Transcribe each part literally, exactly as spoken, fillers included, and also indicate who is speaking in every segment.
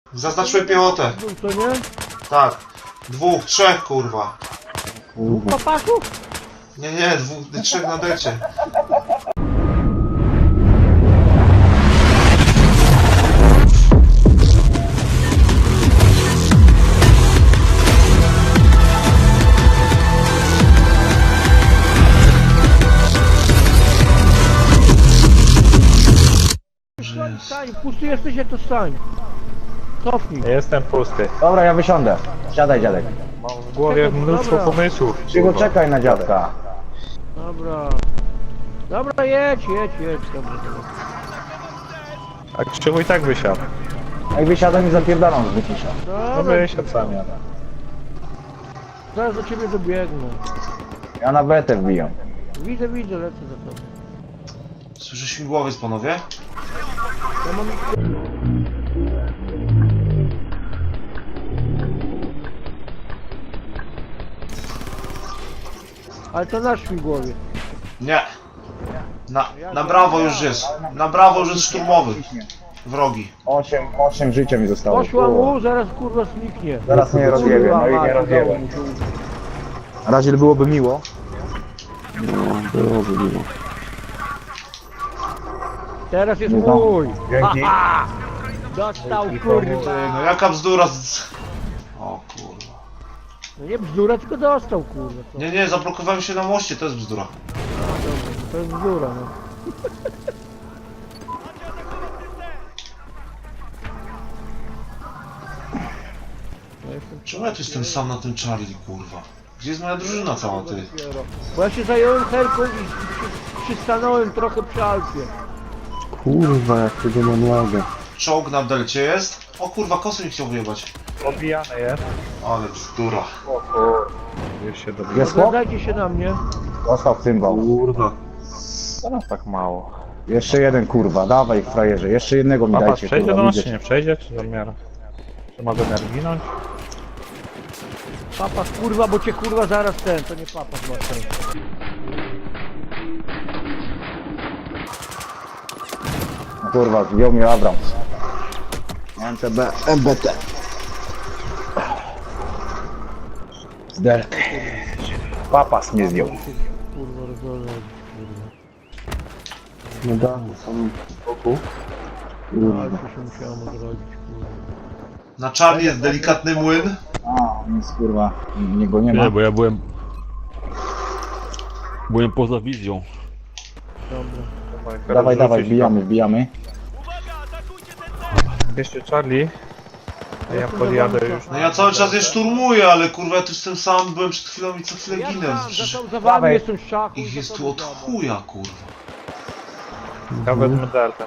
Speaker 1: Zaznaczyłem piechotę.
Speaker 2: To nie?
Speaker 1: Tak. Dwóch, trzech, kurwa.
Speaker 2: Dwóch papasów?
Speaker 1: Nie, nie, dwóch, trzech na decie.
Speaker 2: Stań, pusty jesteś, jak to stań. Cofnij.
Speaker 3: Jestem pusty.
Speaker 4: Dobra, ja wysiądę. Siadaj, dziadek.
Speaker 3: Mam w głowie
Speaker 2: Czekaj,
Speaker 3: mnóstwo
Speaker 2: dobra.
Speaker 3: pomysłów.
Speaker 4: Cicho, czekaj na dziadka.
Speaker 2: Dobra. Dobra, jedź, jedź, jedź. Dobra, dobra.
Speaker 3: A Krzywu i tak wysiadł.
Speaker 4: Jak wysiadam i zapierdalam z wycisza.
Speaker 3: No
Speaker 2: Dobra,
Speaker 3: wysiadł sam jadę.
Speaker 2: zaraz do ciebie dobiegnę.
Speaker 4: Ja na betę wbijam.
Speaker 2: Widzę, widzę, lecę za tobą.
Speaker 1: Słyszę śmigłowiec, panowie?
Speaker 2: Ja mam... Ale to nasz śmigłowiec.
Speaker 1: Nie. Na, na brawo już jest. Na brawo już jest szturmowy. Wrogi.
Speaker 4: Osiem, osiem życia mi zostało.
Speaker 2: Poszła
Speaker 4: kurwa.
Speaker 2: mu, zaraz kurwa zniknie.
Speaker 4: Zaraz mnie rozjebie, no i
Speaker 2: Kurwa,
Speaker 4: nie
Speaker 2: mać,
Speaker 4: rozjebie.
Speaker 2: udało mu się.
Speaker 4: Na razie byłoby miło.
Speaker 2: Teraz jest
Speaker 4: No.
Speaker 2: mój.
Speaker 4: Dzięki.
Speaker 2: Haha! Dostał kurwa.
Speaker 1: No jaka bzdura z... O kurwa.
Speaker 2: No nie bzdura, tylko dostał kurwa. Co?
Speaker 1: Nie, nie, zablokowałem się na moście, to jest bzdura.
Speaker 2: Dobra, to jest bzdura, no. Ja jestem
Speaker 1: Czemu ja tu jestem sam na tym Charlie, kurwa? Gdzie jest moja drużyna cała, ty?
Speaker 2: dopiero. Bo ja się zająłem helką i i przy- przystanąłem trochę przy Alfie.
Speaker 5: Kurwa, jak tego mam lagę.
Speaker 1: Czołg na delcie jest? O kurwa, kosy mi chciał wyjebać.
Speaker 3: Obijany jest.
Speaker 1: Ale bzdura.
Speaker 3: O kur... Już się dobiję.
Speaker 4: Jest chłop?
Speaker 2: Oglądajcie się na mnie.
Speaker 4: Dostał cymbał.
Speaker 5: Kurwa.
Speaker 3: Teraz tak mało.
Speaker 4: Jeszcze jeden kurwa, dawaj frajerze, jeszcze jednego mi
Speaker 3: Papa
Speaker 4: dajcie
Speaker 3: przejdzie do
Speaker 4: kurwa,
Speaker 3: nas
Speaker 4: widzę
Speaker 3: czy
Speaker 4: cię.
Speaker 3: nie przejdzie? Czy zamiar? Czy ma zamiar ginąć?
Speaker 2: Papa kurwa, bo cię kurwa zaraz ten, to nie papa ma ten.
Speaker 4: No kurwa, wziął mnie Abrams. M T B, M B T. Zderk. Papas mnie zdjął.
Speaker 2: Kurwa rozwiązać, kurwa.
Speaker 5: No da, na samym boku.
Speaker 2: No, ale
Speaker 5: Kurwa.
Speaker 2: to się musiałem odrodzić, kurwa.
Speaker 1: Na Charlie jest delikatny młyn.
Speaker 4: A, nic kurwa, niego nie ma.
Speaker 6: Nie, bo ja byłem... Byłem poza wizją.
Speaker 2: Dobra.
Speaker 4: Dawaj, dawaj,
Speaker 3: Rzucić
Speaker 4: wbijamy, wbijamy.
Speaker 3: tam. Jeszcze Charlie. A ja podjadę już.
Speaker 1: No ja cały czas je szturmuję, ale kurwa ja tu jestem sam, byłem przed chwilą i co chwilę
Speaker 2: Ja
Speaker 1: ginę.
Speaker 2: tam,
Speaker 1: Przecież
Speaker 2: za, tą- za wami
Speaker 4: Dawaj.
Speaker 2: jestem w szaku.
Speaker 1: ich
Speaker 2: za
Speaker 1: jest
Speaker 2: tobą
Speaker 1: tu od
Speaker 2: jadę.
Speaker 1: chuja, kurwa.
Speaker 3: Ja wezmę deltę.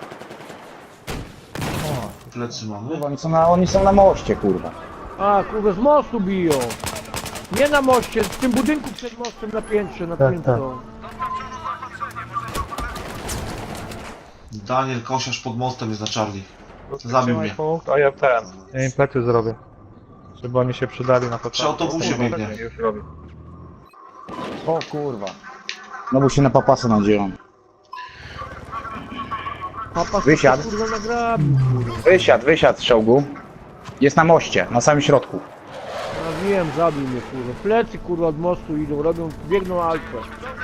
Speaker 1: Plecy mamy.
Speaker 4: Kurwa, oni są na, oni są na moście, kurwa.
Speaker 2: A, kurwa, z mostu biją. Nie na moście, w tym budynku przed mostem na piętrze, na
Speaker 5: Tak,
Speaker 2: piętro.
Speaker 1: Daniel Kosiarz pod mostem jest na Charlie. Zabił
Speaker 3: Trzymaj
Speaker 1: mnie.
Speaker 3: punkt, a ja ten. Ja im plecy zrobię. Żeby oni się przydali na początku.
Speaker 1: Przy autobusie biegnie.
Speaker 3: Już robię.
Speaker 4: O kurwa. No bo się na papasa nadzieją.
Speaker 2: Papa
Speaker 4: Wysiadł.
Speaker 2: kurwa nagrabił, kurwa.
Speaker 4: Wysiadł, wysiadł z czołgu. Jest na moście, na samym środku.
Speaker 2: Ja wiem, zabił mnie, kurwa. Plecy, kurwa, od mostu idą, robią, biegną alfę.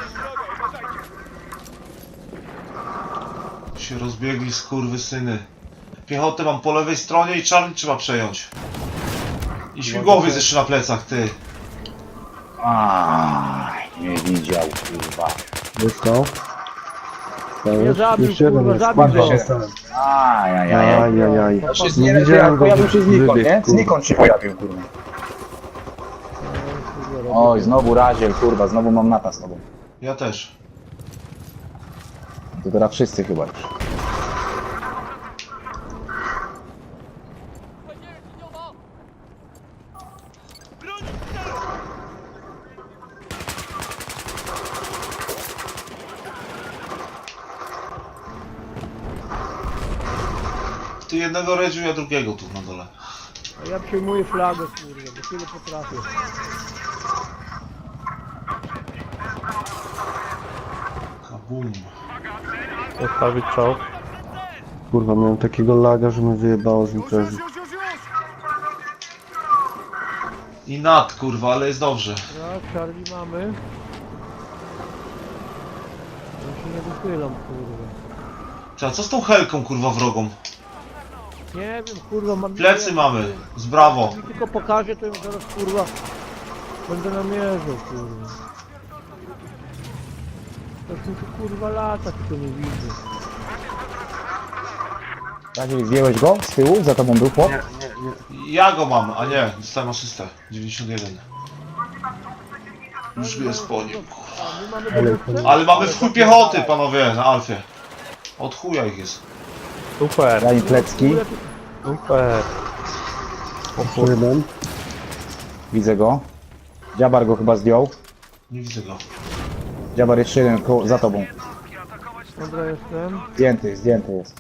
Speaker 1: Się rozbiegli skurwysyny. Piechotę mam po lewej stronie i Charlie trzeba przejąć. I śmigłowiec jeszcze na plecach, ty.
Speaker 4: Aj, nie widział, kurwa.
Speaker 5: Dostał.
Speaker 2: Nie zabił,
Speaker 5: Jeszcze jeden
Speaker 2: kurwa,
Speaker 5: jest.
Speaker 2: zabił
Speaker 5: Bardzo
Speaker 2: go.
Speaker 5: dostałem.
Speaker 4: Ajajaj.
Speaker 5: Ajajaj.
Speaker 4: Się
Speaker 5: Nie
Speaker 4: nie
Speaker 5: widziałem go.
Speaker 4: pojawił się znikąd,
Speaker 5: Wybiegł,
Speaker 4: nie?
Speaker 5: kurwa.
Speaker 4: Znikąd się pojawił, kurwa. Oj, znowu raziel, kurwa, znowu mam nata z tobą.
Speaker 1: Ja też.
Speaker 4: To teraz wszyscy chyba już.
Speaker 1: Ty jednego redziu, ja drugiego tu na dole.
Speaker 2: A ja przejmuję flagę, kurwa, bo tyle potrafię.
Speaker 1: Kabum.
Speaker 3: Postawić czołg.
Speaker 5: Kurwa, miałem takiego laga, że mnie wyjebało z imprezy.
Speaker 1: I nad, kurwa, ale jest dobrze.
Speaker 2: Tak, Charlie mamy. Ja się nie wychylam, kurwa.
Speaker 1: Ty, a co z tą helką, kurwa, wrogą?
Speaker 2: Nie wiem, kurwa, mam...
Speaker 1: Plecy mamy, z brawo.
Speaker 2: Mi tylko pokaże, to ją zaraz, kurwa, będę namierzał, kurwa. Coś mi tu, kurwa, lata, tylko nie widzę.
Speaker 4: Radziej, zdjąłeś go z tyłu? Za tobą był chłop?
Speaker 5: Nie, nie, nie.
Speaker 1: Ja go mam, a nie, dostałem asystę. dziewięćdziesiąt jeden. Już jest po nim, kurwa.
Speaker 2: A, my mamy
Speaker 5: Ale-
Speaker 2: dowódcę?
Speaker 1: Ale mamy w chuj piechoty, panowie, na Alfie. Od chuja ich jest.
Speaker 3: Super,
Speaker 4: Daj mi plecki.
Speaker 3: super.
Speaker 5: Jeszcze jeden.
Speaker 4: Widzę go. Dziabar go chyba zdjął.
Speaker 1: Nie widzę go.
Speaker 4: Dziabar jeszcze jeden koło, za tobą.
Speaker 2: Dobra, jestem.
Speaker 4: Zdjęty, zdjęty jest.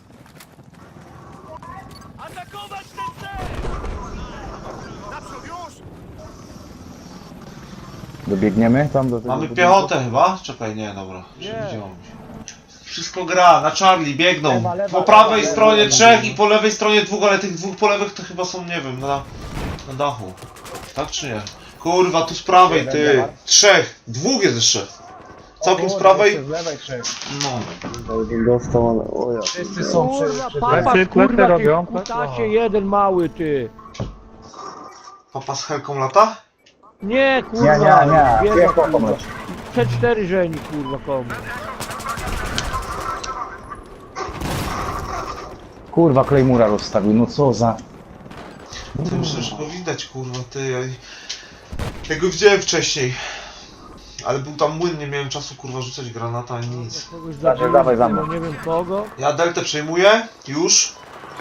Speaker 4: Dobiegniemy tam do tego
Speaker 1: Mamy
Speaker 4: budynku?
Speaker 1: piechotę chyba? Czekaj, nie, dobra.
Speaker 2: Nie.
Speaker 1: Przewidziałem się. Wszystko gra, na Charlie biegną.
Speaker 4: Lewa, lewa,
Speaker 1: Po prawej
Speaker 4: lewa,
Speaker 1: stronie
Speaker 4: lewa,
Speaker 1: trzech
Speaker 4: lewa.
Speaker 1: i po lewej stronie dwóch, ale tych dwóch po lewych to chyba są, nie wiem, na, na dachu. Tak czy nie? Kurwa, tu z prawej,
Speaker 4: Jeden
Speaker 1: ty.
Speaker 4: działa.
Speaker 1: Trzech. Dwóch jest jeszcze. Całkiem z
Speaker 4: O,
Speaker 1: prawej.
Speaker 4: jeszcze z lewej trzech.
Speaker 1: No.
Speaker 5: Jeden dostał, ale o ja.
Speaker 4: Wszyscy są przy...
Speaker 2: Kurwa,
Speaker 4: przy...
Speaker 2: papa,
Speaker 3: Plecy,
Speaker 2: kurwa,
Speaker 3: plecy
Speaker 2: ty
Speaker 3: robią.
Speaker 2: kutasie jeden mały, ty.
Speaker 1: Papa z helką lata?
Speaker 2: Nie, kurwa.
Speaker 4: Nie, nie, nie.
Speaker 2: biega,
Speaker 4: Nie,
Speaker 2: kurwa.
Speaker 4: pomyśl.
Speaker 2: C cztery żeni, kurwa, komu.
Speaker 4: Kurwa, Claymura rozstawił, no co za...
Speaker 1: To myślę, że go widać, kurwa, ty. Ja, ja go widziałem wcześniej. Ale był tam młyn, nie miałem czasu, kurwa, rzucać granata ani nic.
Speaker 2: Kogoś
Speaker 4: Dawaj,
Speaker 2: zabiłem,
Speaker 4: dawaj za
Speaker 2: kurwa,
Speaker 4: mną.
Speaker 2: nie wiem kogo.
Speaker 1: Ja deltę przejmuję. Już.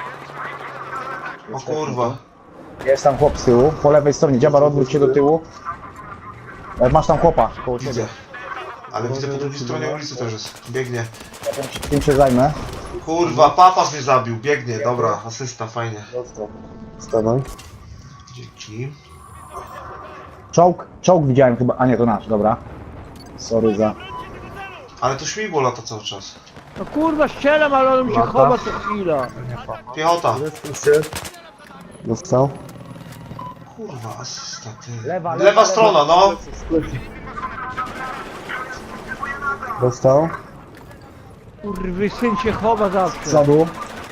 Speaker 1: O kurwa.
Speaker 4: Jest tam chłop z tyłu, po lewej stronie. Dziabar, odwróć się do tyłu. E, Masz tam chłopa koło ciebie.
Speaker 1: Widzę. Ale widzę po drugiej stronie ulicy też jest. Biegnie.
Speaker 4: Ja tym się, tym się zajmę.
Speaker 1: Kurwa, papas mnie zabił. Biegnie, dobra. Asysta, fajnie.
Speaker 5: Dostał. Wstawaj.
Speaker 1: Dzięki.
Speaker 4: Czołg, czołg widziałem chyba, a nie, to nasz, dobra. Sorry za...
Speaker 1: Ale to śmigło lata cały czas.
Speaker 2: No kurwa, strzelam, ale on mi się
Speaker 3: Lata.
Speaker 2: chowa co chwila.
Speaker 1: Piechota.
Speaker 5: Zresztą się. Dostał.
Speaker 1: Kurwa, asysta, ty.
Speaker 4: Lewa,
Speaker 1: Lewa,
Speaker 4: lewa,
Speaker 1: strona, no.
Speaker 5: Dostał.
Speaker 2: Kurwy, syn się chowa
Speaker 4: Z
Speaker 2: zawsze.
Speaker 4: przodu.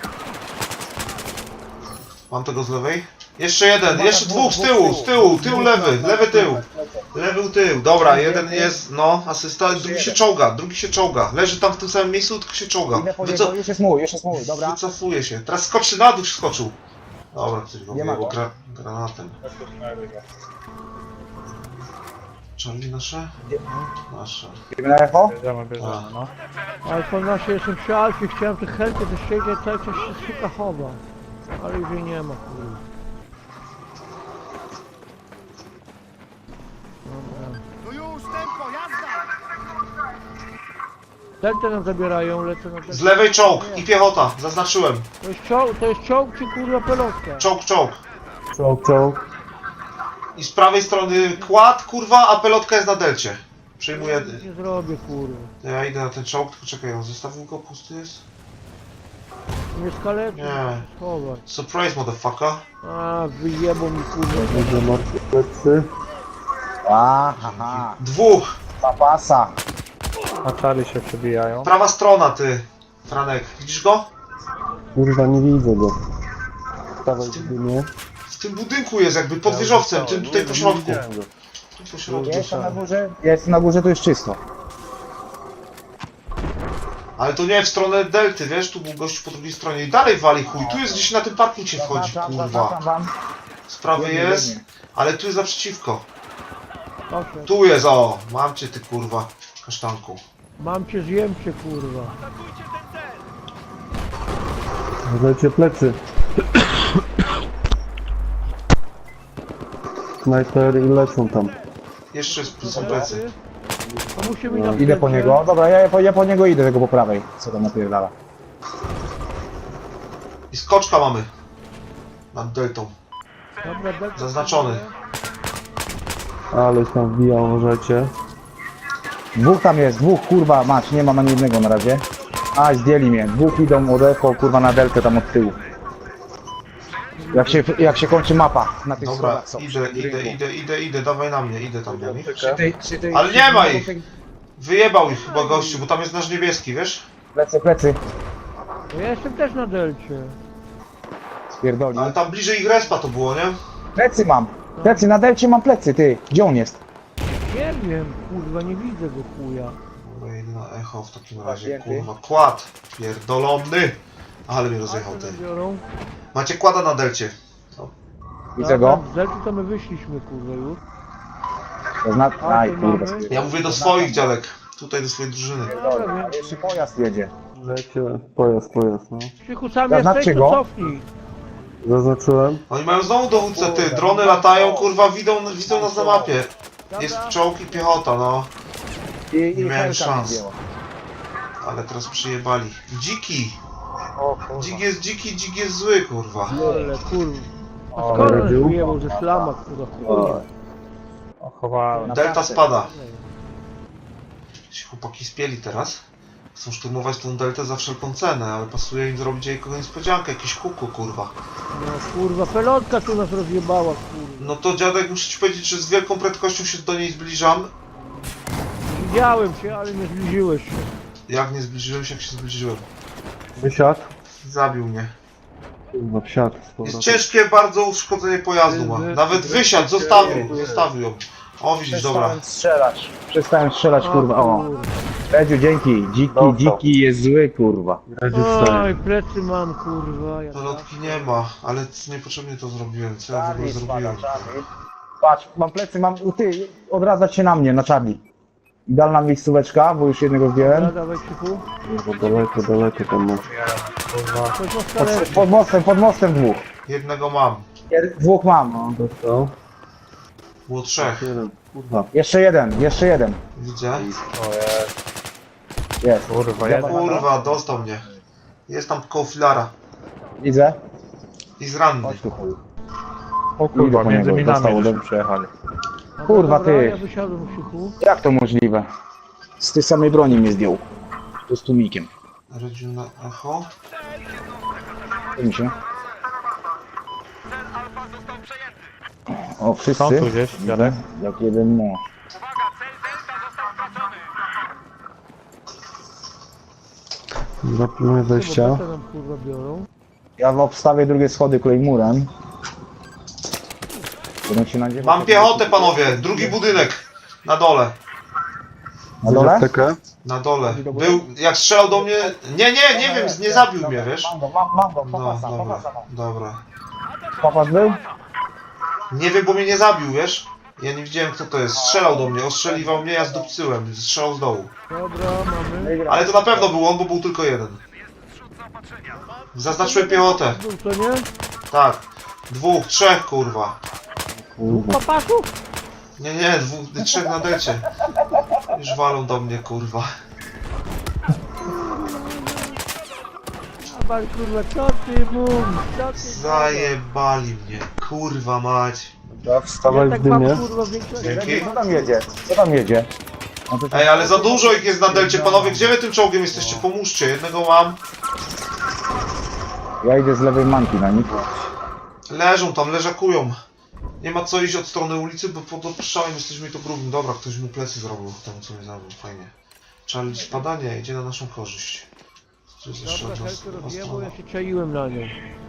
Speaker 1: Mam tego z lewej. Jeszcze jeden, jeszcze dwóch z tyłu, z tyłu, tył lewy, lewy tył. Lewy tył, dobra, jeden jest, no, asysta, drugi się czołga, drugi się czołga. Leży tam w tym samym miejscu, tylko się czołga.
Speaker 4: Idę po
Speaker 1: Wyco
Speaker 4: niego, już jest mój, już jest mój, dobra.
Speaker 1: wycofuje się. Teraz skoczy na dół, skoczył. Dobra, ktoś go
Speaker 4: Nie ma
Speaker 1: wyjebał
Speaker 4: go.
Speaker 1: gra granatem. Charlie nasze? Nasze.
Speaker 4: Idziemy na echo?
Speaker 3: Bierzemy, bierzemy,
Speaker 1: A.
Speaker 3: no.
Speaker 2: Ale po nasie jestem przy Alfie, chciałem tych helkę zeszczędziać, cały czas się suka chowa. Ale już jej nie ma, kurwa. Dobra.
Speaker 6: No już, tempo, jazda!
Speaker 2: Deltę nam zabierają, lecę na deltę.
Speaker 1: Z lewej czołg i piechota, zaznaczyłem.
Speaker 2: To jest czołg, to jest czołg czy kurwa pelotka?
Speaker 1: Czołg, czołg.
Speaker 5: Czołg, czołg.
Speaker 1: I z prawej strony kład, kurwa, a pelotka jest na delcie. Przejmuję.
Speaker 2: Nie zrobię, kurwa.
Speaker 1: Ja idę na ten czołg, tylko czekaj, on zostawił go, pusty jest?
Speaker 2: Nie skaleczy,
Speaker 1: Nie.
Speaker 2: schować.
Speaker 1: Surprise, motherfucker.
Speaker 2: A, wyjebał mi kurwa.
Speaker 5: Będzie martwy plecy.
Speaker 4: A, haha.
Speaker 1: Dwóch.
Speaker 4: Papasa.
Speaker 3: A Charlie się przebijają.
Speaker 1: Prawa strona, ty. Franek, widzisz go?
Speaker 5: Kurwa, nie widzę go. Wstawaj w dymie.
Speaker 1: W tym budynku jest jakby pod wieżowcem, tym tutaj po środku. Tu po środku.
Speaker 4: Ja jestem na górze, ja jestem na górze, to jest czysto.
Speaker 1: Ale to nie w stronę delty, wiesz, tu był gość po drugiej stronie i dalej wali chuj. Tu jest gdzieś na tym parkincie wchodzi,
Speaker 4: Zaznaczam,
Speaker 1: kurwa.
Speaker 4: zaznaczam wam.
Speaker 1: Z prawej
Speaker 4: Biegnie,
Speaker 1: jest,
Speaker 4: biegnie.
Speaker 1: ale tu jest naprzeciwko.
Speaker 2: Proszę.
Speaker 1: Tu jest, o, mam cię ty kurwa, kasztanku.
Speaker 2: Mam cię, zjem cię, kurwa.
Speaker 5: Zlecie plecy. Snajper i lecą tam.
Speaker 1: Jeszcze jest- są plecy.
Speaker 2: To musi mi
Speaker 5: No,
Speaker 2: na
Speaker 4: Idę po
Speaker 2: plecy.
Speaker 4: niego, dobra, ja, po, ja po niego idę, tego po prawej. Co tam napierdala.
Speaker 1: I skoczka mamy. Nad deltą.
Speaker 2: Dobra, delta.
Speaker 1: Zaznaczony.
Speaker 5: Ale się tam wbija, uważajcie.
Speaker 4: Dwóch tam jest, dwóch, kurwa, mać, nie mam ani jednego na razie. A, zdjęli mnie, dwóch idą od echo, kurwa, na deltę tam od tyłu. Jak się, jak się kończy mapa na tych
Speaker 1: Dobra,
Speaker 4: schodach są.
Speaker 1: idę, idę, idę, idę, idę, dawaj na mnie, idę tam do nich.
Speaker 4: Przy tej, przy tej,
Speaker 1: Ale
Speaker 4: przy
Speaker 1: nie
Speaker 4: tej-
Speaker 1: ma ich! Wyjebał ich chyba gościu, bo tam jest nasz niebieski, wiesz?
Speaker 4: Plecy, plecy.
Speaker 2: No ja jestem też na delcie.
Speaker 4: Spierdoli.
Speaker 1: Ale tam bliżej ich respa to było, nie?
Speaker 4: Plecy mam. Plecy, na delcie mam plecy, ty. Gdzie on jest?
Speaker 2: Nie wiem, kurwa, nie widzę go chuja.
Speaker 1: Dobra, idę na echo w takim razie,
Speaker 4: Zdjęty.
Speaker 1: kurwa. Kład! Pierdolony! Ale mnie rozjechał
Speaker 2: A co
Speaker 1: ten.
Speaker 2: biorą?
Speaker 1: Macie kłada na delcie.
Speaker 4: Widzę go.
Speaker 2: Z delty to my wyszliśmy, kurwa, już.
Speaker 4: To zna...
Speaker 2: A,
Speaker 4: Aj,
Speaker 2: tu
Speaker 4: kurwa.
Speaker 2: mamy.
Speaker 1: Ja mówię do swoich dziadek. Tutaj do swojej drużyny.
Speaker 2: Dobra, więc
Speaker 4: Jeszcze pojazd jedzie.
Speaker 5: Lecie, pojazd, pojazd, no.
Speaker 2: Krzychu, sam
Speaker 4: Zaznaczcie
Speaker 2: jesteś,
Speaker 4: go.
Speaker 2: to cofnij.
Speaker 5: Zaznaczyłem.
Speaker 1: Oni mają znowu dowódcę, ty. Drony latają, kurwa, widzą, widzą nas na mapie. Jest czołg i piechota, no.
Speaker 4: I, i
Speaker 1: Nie miałem
Speaker 4: helka
Speaker 1: szans.
Speaker 4: mi zdjęła.
Speaker 1: Ale teraz przyjebali. Dziki!
Speaker 4: O kurwa.
Speaker 1: Dzik jest dziki, dzik jest zły, kurwa.
Speaker 2: Ale kurwa. A
Speaker 4: O,
Speaker 2: skąd on
Speaker 5: radził?
Speaker 2: wyjebał ze slama, kurwa, chuj.
Speaker 3: O, chowałem.
Speaker 1: Delta spada. Ci chłopaki spieli teraz. Chcą szturmować tą deltę za wszelką cenę, ale pasuje im zrobić jej kogoś niespodziankę, jakiś kuku, kurwa.
Speaker 2: No kurwa, pelotka tu nas rozjebała, kurwa.
Speaker 1: No to dziadek, muszę ci powiedzieć, że z wielką prędkością się do niej zbliżam.
Speaker 2: Widziałem cię, ale nie zbliżyłeś się.
Speaker 1: Jak nie zbliżyłem się, jak się zbliżyłem.
Speaker 5: Wysiadł.
Speaker 1: Zabił mnie.
Speaker 5: Kurwa, wsiadł. z
Speaker 1: Jest
Speaker 5: powrotem.
Speaker 1: ciężkie bardzo uszkodzenie pojazdu ma. Nawet wysiadł, zostawił, zostawił ją. O widzisz, dobra.
Speaker 4: Przestałem strzelać. Przestałem strzelać,
Speaker 2: O,
Speaker 4: kurwa. O. Redziu, dzięki. Dziki,
Speaker 5: Dostał.
Speaker 4: dziki jest zły, kurwa.
Speaker 5: Radził wstaje.
Speaker 2: Oj, plecy mam, kurwa. Ja
Speaker 1: Pelotki nie ma, ale niepotrzebnie to zrobiłem. Co ja w ogóle zrobiłem?
Speaker 4: Patrz, mam plecy, mam... Ty, odradzać się na mnie, na Charlie. Idealna miejscóweczka, bo już jednego
Speaker 2: Dobra,
Speaker 4: zdjąłem.
Speaker 2: dawaj, Krzychu.
Speaker 5: Kurwa, daleko, daleko tam masz.
Speaker 2: Coś na
Speaker 4: Pod,
Speaker 2: stale.
Speaker 4: pod mostem, pod mostem dwóch.
Speaker 1: Jednego mam.
Speaker 4: Jed- Dwóch mam. No.
Speaker 5: Dostał.
Speaker 1: Było trzech.
Speaker 5: Jeden. Kurwa.
Speaker 4: Jeszcze jeden, jeszcze jeden.
Speaker 1: Widzę.
Speaker 4: Jest.
Speaker 3: Kurwa,
Speaker 4: Ja
Speaker 3: jeden.
Speaker 1: Kurwa, dostał mnie. Jest tam koło filara.
Speaker 4: Widzę.
Speaker 1: I z ranny.
Speaker 4: Chodź tu, chuj.
Speaker 3: O
Speaker 4: Idę
Speaker 3: kurwa,
Speaker 4: po
Speaker 3: między
Speaker 4: niego,
Speaker 3: minami
Speaker 4: dostało
Speaker 3: żeśmy
Speaker 4: do-
Speaker 3: przejechali.
Speaker 2: Dobra,
Speaker 4: Kurwa,
Speaker 2: dobra,
Speaker 4: ty.
Speaker 2: Ja wysiadłem, Krzychu.
Speaker 4: Jak to możliwe? Z tej samej broni mnie zdjął. To z tłumikiem.
Speaker 1: Radził na echo.
Speaker 4: Co mi się? O,
Speaker 3: Są
Speaker 4: wszyscy?
Speaker 3: tu gdzieś, dziadek?
Speaker 4: Jak jeden, no.
Speaker 5: Zapilnuję wejścia.
Speaker 2: Chyba nam kurwa biorą.
Speaker 4: Ja obstawię drugie schody klejmurem. Będę się nadziewał...
Speaker 1: Mam piechotę, panowie. Drugi budynek. Na dole.
Speaker 4: Na dole?
Speaker 5: Aptekę.
Speaker 1: Na dole. Był, jak strzelał do mnie... Nie, nie, nie wiem, nie zabił mnie, wiesz?
Speaker 4: Mam go, mam, mam go,
Speaker 1: No,
Speaker 4: popasa,
Speaker 1: dobra,
Speaker 4: popasa mam.
Speaker 1: dobra.
Speaker 4: Popas był?
Speaker 1: Nie wiem, bo mnie nie zabił, wiesz? Ja nie widziałem, kto to jest. Strzelał do mnie, ostrzeliwał mnie, ja zdupcyłem. Strzelał z dołu.
Speaker 2: Dobra, mamy.
Speaker 1: Ale to na pewno był on, bo był tylko jeden. Zaznaczyłem piechotę.
Speaker 2: Był to nie?
Speaker 1: Tak. Dwóch, trzech, kurwa.
Speaker 5: Kurwa.
Speaker 2: Papasów?
Speaker 1: Nie, nie, dwóch, trzech na decie. Już walą do mnie, kurwa.
Speaker 2: A pan kurwa, co ty mówisz? Co ty
Speaker 1: Zajebali mnie, kurwa mać.
Speaker 5: Ja wstawaj
Speaker 2: Ja
Speaker 5: w
Speaker 2: tak mam
Speaker 5: dymie.
Speaker 2: kurwa większość.
Speaker 1: Dzięki.
Speaker 4: Co tam jedzie? Co tam jedzie? No to-
Speaker 1: Ej, ale za dużo ich jest na delcie, panowie. Gdzie wy tym czołgiem jesteście? Pomóżcie, jednego mam.
Speaker 4: Ja idę z lewej manki na nich.
Speaker 1: Leżą tam, leżakują. Nie ma co iść od strony ulicy, bo pod obstrzałem jesteśmy i to grubym. Dobra, ktoś mu plecy zrobił temu, co mnie zabił, fajnie. Charlie spadanie idzie na naszą korzyść. To jest jeszcze
Speaker 2: Dobra,
Speaker 1: jedna,
Speaker 2: helkę
Speaker 1: jedna
Speaker 2: rozjebał,
Speaker 1: strona.
Speaker 2: ja się czaiłem na nią.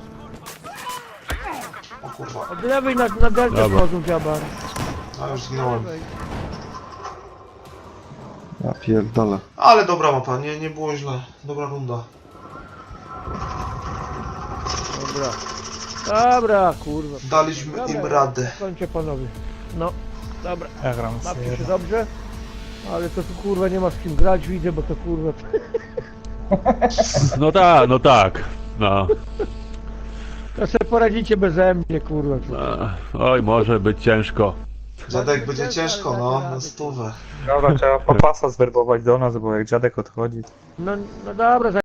Speaker 1: O kurwa,
Speaker 2: Od lewej na, na deltę wchodzą dziabar.
Speaker 1: a już zginąłem.
Speaker 2: Lewej.
Speaker 5: Ja pierdolę.
Speaker 1: Ale dobra mapa, nie, nie było źle. Dobra runda.
Speaker 2: Dobra. Dobra, kurwa.
Speaker 1: Daliśmy im
Speaker 2: Dobra,
Speaker 1: radę.
Speaker 2: Kończę panowie. No, dobra.
Speaker 3: Ja gram
Speaker 2: Bawcie się dobrze. Ale to tu kurwa nie ma z kim grać, widzę, bo to kurwa...
Speaker 7: No tak, no tak. No.
Speaker 2: To sobie poradzicie beze mnie, kurwa.
Speaker 7: E, Oj, może być ciężko.
Speaker 1: Dziadek będzie ciężko, no, na stówę.
Speaker 3: Dobra, trzeba papasa zwerbować do nas, bo jak dziadek odchodzi,
Speaker 2: No, no dobra,